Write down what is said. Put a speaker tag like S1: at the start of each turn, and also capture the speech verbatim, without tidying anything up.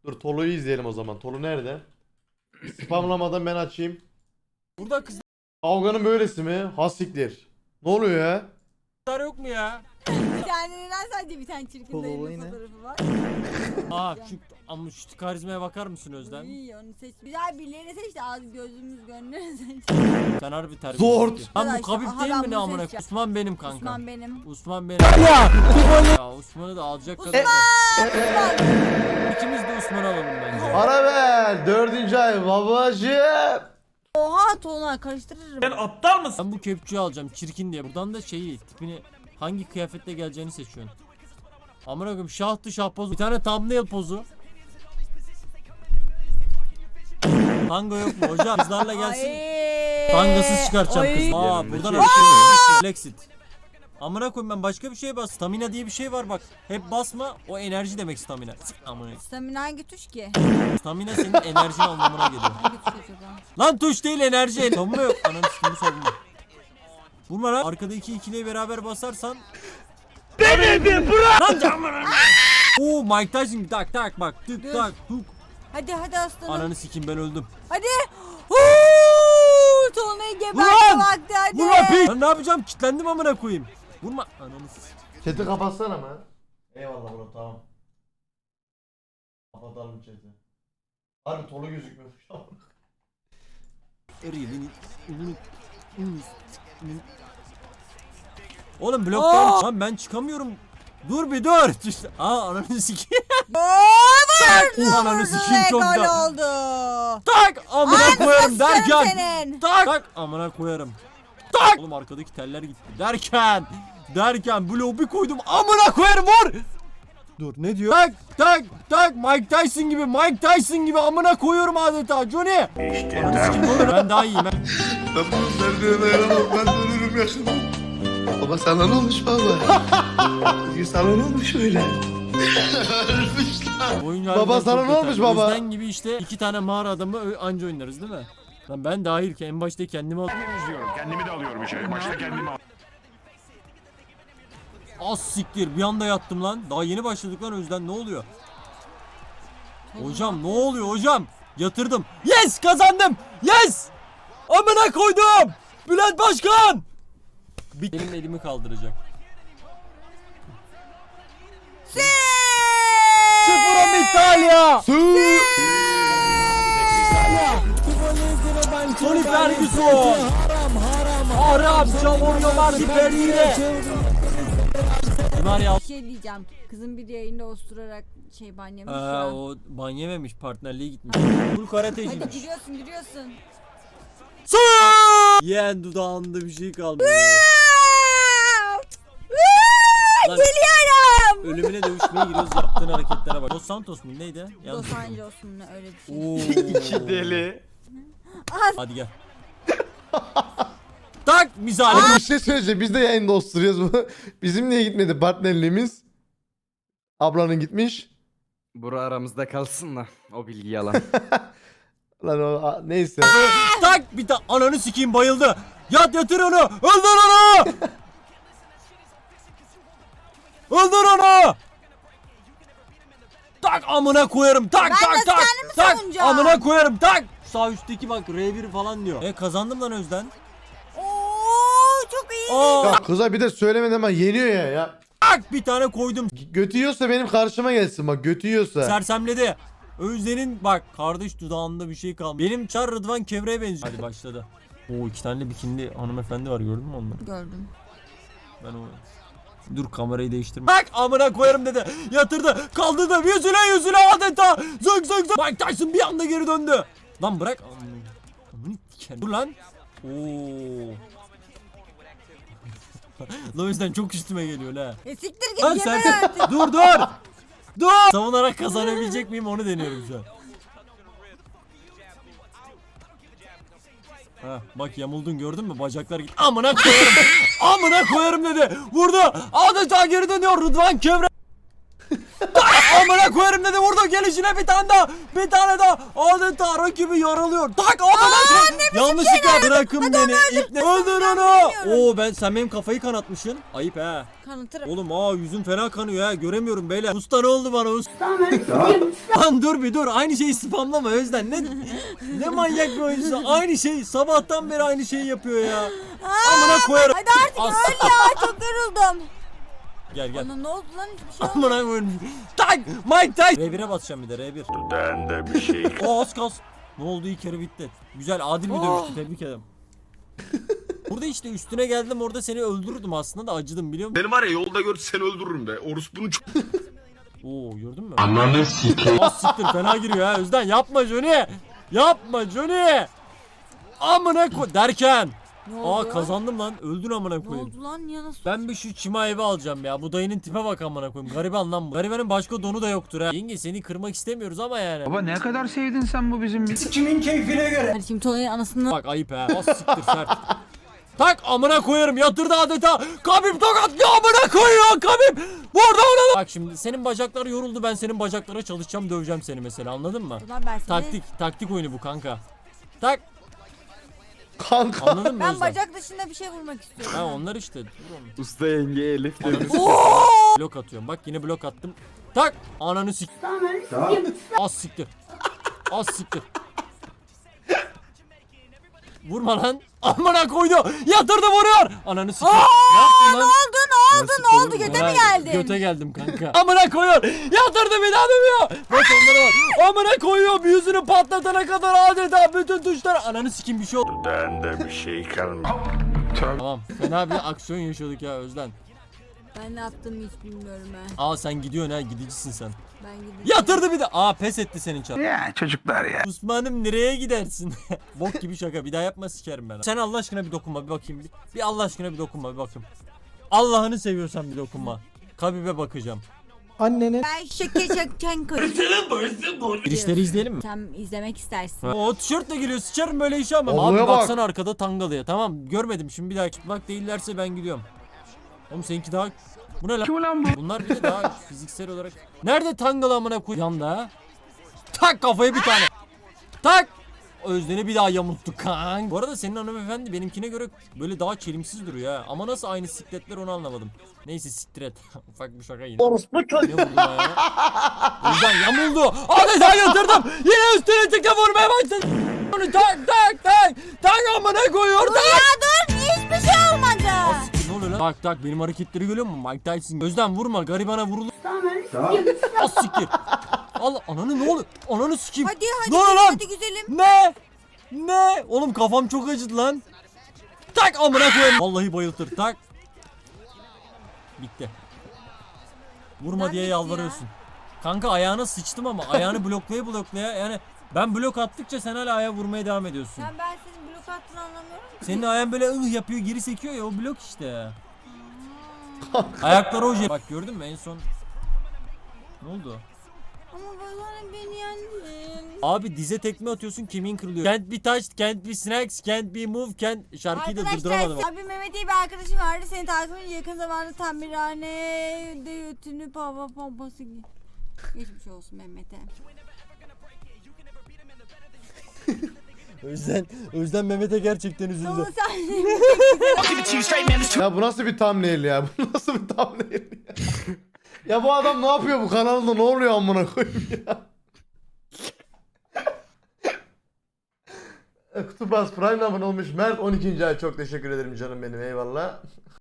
S1: Dur Tolu'yu izleyelim o zaman. Tolu nerede? Spamlamadan ben açayım.
S2: Burada kızlar
S1: Kavganın böylesi mi? Hasiktir. Ne oluyor ya?
S2: yok mu ya?
S3: Bir tane neden sadece bir tane çirkin
S4: Kol
S3: dayının
S4: olayı ne?
S3: fotoğrafı var.
S2: Aa şu ama şu karizmaya bakar mısın Özlem?
S3: İyi onu seç. Güzel birilerini seç de az gözümüz gönlümüz seç.
S2: Sen harbi terbiyesiz.
S1: Zor.
S2: Lan bu
S3: Arkadaşlar,
S2: Kabip
S3: aha
S2: değil
S3: ben
S2: mi ne
S3: bunu
S2: amına?
S3: seçeceğim.
S2: Osman benim kanka.
S3: Osman benim.
S2: Osman benim. Ya! Ya Osman'ı da alacak kadar.
S3: Osman!
S2: İkimiz de Osman'ı alalım bence.
S1: Ara ver. Dördüncü ay babacığım.
S3: Oha Tolunay karıştırırım.
S2: Ben bu kepçeyi alacağım çirkin diye. Buradan da şeyi tipini hangi kıyafetle geleceğini seçiyorsun. Amına koyayım şahtı şah pozu. Bir tane thumbnail pozu. Tango yok mu hocam? Kızlarla gelsin.
S3: Ay.
S2: Tangasız çıkartacağım
S3: Ay.
S2: kızı. Aa
S4: Yanındaki
S2: buradan
S4: erkek
S2: açık. Flexit. Amına koyayım ben başka bir şeye bas. Stamina diye bir şey var bak. Hep basma o enerji demek stamina. Sık amına.
S3: Stamina hangi tuş ki?
S2: Stamina senin enerjin anlamına geliyor.
S3: Hangi tuş acaba?
S2: Lan tuş değil enerji. Savunma yok. Ananı sikim savunma. Vurma lan. Arkada iki ikiliye beraber basarsan. Benim bırak. Lan camına. Oo Mike Tyson tak tak bak tık
S3: Dur.
S2: tak tuk.
S3: Hadi hadi aslanım.
S2: Ananı sikim ben öldüm.
S3: Hadi. Huuu. Tolunay'ı
S2: Ulan!
S3: gebertme vakti hadi.
S2: Vurma piç. Lan ne yapacağım? Kitlendim amına koyayım. Vurma. Ananı sikim.
S1: Chat'i kapatsana mı? Eyvallah bro tamam. Kapatalım chat'i. Harbi Tolu gözükmüyor.
S2: Oğlum bloktan lan ben çıkamıyorum. Dur bir dur. İşte, aa ananı sikeyim.
S3: Oo,
S2: Ananı sikeyim çok
S3: gol
S2: da.
S3: oldu.
S2: Tak amına koyarım derken.
S3: Senin.
S2: Tak tak amına koyarım. Tak. Oğlum arkadaki teller gitti derken. Derken bloğu bir koydum amına koyarım vur. Dur ne diyor? Tak tak tak Mike Tyson gibi Mike Tyson gibi amına koyuyorum adeta Johnny. İşte ben daha iyiyim. Ben.
S5: Ben bu sevdiğime dayanamam. Ben de ölürüm yakında. Baba sana ne olmuş baba? Sana ne olmuş öyle? Ölmüş lan.
S2: Oyun
S1: Baba
S2: harbiden
S1: sana
S2: çok
S1: ne olmuş
S2: yeterli.
S1: baba?
S2: Özden gibi işte iki tane mağara adamı ö- anca oynarız değil mi? Lan ben dahil ki en başta kendimi al.
S6: izliyorum. Kendimi de alıyorum içeri. Başta kendimi al.
S2: Az siktir bir anda yattım lan. Daha yeni başladık lan Özden ne oluyor? Hocam ne oluyor hocam? Yatırdım. Yes kazandım. Yes. Amına koydum. Bülent Başkan. Bir elim elimi kaldıracak. Sıfırım İtalya. Tony Ferguson. Haram çamurlu Mardi Perire. Var ya.
S3: Bir şey diyeceğim. Kızın bir yayında osturarak şey banyamış
S2: Ee,
S3: ya.
S2: o ban yememiş partnerliğe gitmiş. Full
S3: Hadi
S2: karateciymiş.
S3: giriyorsun giriyorsun.
S2: Yeğen dudağında bir şey kalmıyor. Lan,
S3: Geliyorum.
S2: ölümüne dövüşmeye giriyoruz yaptığın hareketlere bak. Dos Santos mu neydi? Yanlış.
S3: Los Angeles mu ne öyle bir şey.
S2: Oo.
S4: İki deli.
S2: Hadi gel. Tak misali.
S1: Bir şey söyleyeceğim. Biz de yayında osturuyoruz bu. Bizim niye gitmedi partnerliğimiz? Ablanın gitmiş.
S4: Bura aramızda kalsın da o bilgi yalan.
S1: Lan o a- neyse.
S2: Tak bir ta ananı sikeyim bayıldı. Yat yatır onu. Öldür onu. Öldür onu. Tak amına koyarım. Tak
S3: Ben
S2: tak
S3: nasıl
S2: tak.
S3: kendimi
S2: Tak
S3: savunacağım?
S2: amına koyarım. Tak. Sağ üstteki bak R bir falan diyor. E kazandım lan Özden.
S3: Oo çok iyi.
S2: Aa.
S1: Ya kıza bir de söylemeden ama yeniyor ya ya.
S2: Tak bir tane koydum.
S1: Götü yiyorsa benim karşıma gelsin bak götü yiyorsa.
S2: Sersemledi. Özden'in bak kardeş dudağında bir şey kalmış. Benim Çar Rıdvan Kevre'ye benziyor. Hadi başladı. Oo iki tane bikinli hanımefendi var gördün mü onları?
S3: Gördüm.
S2: Ben o... Dur kamerayı değiştirme. Bak amına koyarım dedi. Yatırdı. Kaldırdı. Yüzüne yüzüne adeta. Zık zık zık. Mike Tyson bir anda geri döndü. Lan bırak. Amına diken. Dur lan. Oo. Lan o yüzden çok üstüme geliyor la.
S3: E siktir
S2: Lan
S3: git
S2: sen
S3: yeter artık.
S2: dur dur. Dur. Savunarak kazanabilecek miyim onu deniyorum şu an. Ha bak yamuldun gördün mü bacaklar git. Amına koyarım. Amına koyarım dedi. Vurdu. Adeta geri dönüyor Rıdvan Kevre. Amına koyarım dedi, vurdu gelişine bir tane daha. Bir tane daha. Adeta rakibi yaralıyor. Tak amına. Yanlışlıkla bırakın beni. İpne. Öldür onu. Oo ben sen benim kafayı kanatmışsın. Ayıp he.
S3: Kanıtırım.
S2: Oğlum aa yüzüm fena kanıyor ha, göremiyorum beyler. Usta ne oldu bana usta? Lan dur bir dur, aynı şeyi spamlama Özden. Ne ne manyak bir oyuncusu. Aynı şey sabahtan beri aynı şeyi yapıyor ya. Amına koyarım.
S3: Hadi artık
S2: As-
S3: öl ya, çok yoruldum.
S2: Gel gel.
S3: Ona ne oldu lan, hiçbir şey olmadı.
S2: Amına koyarım. Tak Mike Tyson. R bire basacağım bir de R bir.
S6: Ben de bir şey.
S2: O az kas. Ne oldu, ilk kere bitti. Güzel adil bir dövüştü, tebrik ederim. Burada işte üstüne geldim, orada seni öldürürdüm aslında da acıdım biliyor musun?
S6: Beni var ya yolda gör seni öldürürüm de. Orospunun çok...
S2: Oo gördün mü? Ananı sikeyim. Az siktir, fena giriyor ha Özden, yapma Johnny. Yapma Johnny. Amına koy derken.
S3: Ne
S2: Aa
S3: oldu?
S2: kazandım lan, öldün amına
S3: Ne
S2: koyayım.
S3: oldu lan ya, nasıl?
S2: Ben bir şu çima evi alacağım ya. Bu dayının tipe bak amına koyayım. Gariban lan bu. Garibanın başka donu da yoktur ha. Yenge seni kırmak istemiyoruz ama yani.
S7: Baba ne kadar sevdin sen bu bizim
S3: Hadi şimdi Tony'nin anasını.
S2: Bak ayıp ha. Az siktir sert. Tak amına koyarım, yatırdı adeta. Kabip tokatlıyor, amına koyuyor Kabip. Burada ona. Bak şimdi senin bacakları yoruldu, ben senin bacaklara çalışacağım, döveceğim seni mesela, anladın mı?
S3: Ulan ben seni.
S2: Taktik taktik oyunu bu kanka. Tak
S1: Kanka.
S2: anladın mı
S3: Ben
S2: Özlem?
S3: bacak dışında bir şey vurmak istiyorum.
S2: Ha onlar işte. Dur oğlum.
S4: Usta yenge Elif demiş.
S2: Blok atıyorum. Bak yine blok attım. Tak ananı sik. Az siktir. Az siktir. Vurma lan. Amına koydu. Yatırdı, vuruyor. Ananı siktir. Ne yaptın lan?
S3: Ne oldu ne oldu ne oldu, göte mi
S2: Ha,
S3: geldin?
S2: Göte geldim kanka. Amına koyuyor. Yatırdı, bir daha dövüyor. Bak onları var. Amına koyuyor. Yüzünü patlatana kadar adeta bütün tuşlar. Ananı sikeyim bir şey oldu.
S6: Ben de bir şey kalmadı.
S2: Tamam. Fena bir aksiyon yaşadık ya Özden.
S3: Ben ne yaptığımı hiç bilmiyorum ben.
S2: Aa sen gidiyorsun ha, gidicisin sen.
S3: Ben gideceğim.
S2: Yatırdı bir de. Aa pes etti senin çar.
S7: Ya çocuklar ya.
S2: Osman'ım nereye gidersin? Bok gibi şaka, bir daha yapma sikerim ben. Sen Allah aşkına bir dokunma bir bakayım. Bir, bir Allah aşkına bir dokunma bir bakayım. Allah'ını seviyorsan bir dokunma. Kabib'e bakacağım.
S1: Annene.
S3: Ben şeke şeken koyayım.
S2: Girişleri izleyelim mi?
S3: Sen izlemek istersin.
S2: O tişörtle geliyor, sıçarım böyle işe ama.
S1: Olaya
S2: Abi
S1: bak.
S2: baksana arkada tangalıya, tamam görmedim, şimdi bir daha çıplak değillerse ben gidiyorum. Oğlum seninki daha... Bu ne lan?
S7: Kim ulan bu?
S2: Bunlar bir de daha fiziksel olarak... Nerede tangalı amına koy? Yanda ha? Tak kafaya bir tane. Tak! Özden'i bir daha yamulttuk kank. Bu arada senin hanımefendi benimkine göre böyle daha çelimsiz duruyor ha. Ama nasıl aynı sikletler onu anlamadım. Neyse siktir et. Ufak bir şaka yine. Orospu çocuğu. Ne vurdun ya? Özden yamuldu. Adeta yatırdım. Yine üstüne tıkla vurmaya başladı. Onu tak tak tak. Tak amına koyuyor. Tak.
S3: Ya dur, hiçbir şey olmadı.
S2: Az siktir, ne oluyor lan? Tak tak benim hareketleri görüyor musun? Mike Tyson. Özden vurma, garibana vurulur. Az siktir. Allah ananı, ne oluyor? Ananı sikeyim.
S3: Hadi hadi
S2: Ne oluyor lan?
S3: hadi güzelim.
S2: Ne? Ne? Oğlum kafam çok acıdı lan. Tak amına koyayım. Vallahi bayıltır. Tak. Bitti. Vurma
S3: Lan
S2: diye
S3: bitti
S2: yalvarıyorsun. Kanka ayağına sıçtım ama ayağını bloklaya bloklaya, yani ben blok attıkça sen hala ayağa vurmaya devam ediyorsun.
S3: Sen, ben senin blok attığını anlamıyorum.
S2: Senin ayağın böyle ıh yapıyor, geri sekiyor ya, o blok işte. Ayakları oje. Bak gördün mü en son? Ne oldu?
S3: Ama bana beni yendin.
S2: Abi dize tekme atıyorsun, kemiğin kırılıyor. Can't be touched, can't be snacks, can't be moved, can't... Şarkıyı da durduramadım.
S3: Arkadaşlar abi Mehmet diye bir arkadaşım vardı. Seni takip edince yakın zamanda tamirhanede götünü hava pompası gibi. Geçmiş olsun Mehmet'e.
S2: Özden, Özden Mehmet'e gerçekten
S3: Ama
S2: üzüldü.
S3: sen
S1: Ya bu nasıl bir thumbnail ya? Bu nasıl bir thumbnail ya? Ya bu adam ne yapıyor bu kanalda, ne oluyor amına koyayım ya? Kutubas Prime abone olmuş. Mert on ikinci ay, çok teşekkür ederim canım benim, eyvallah.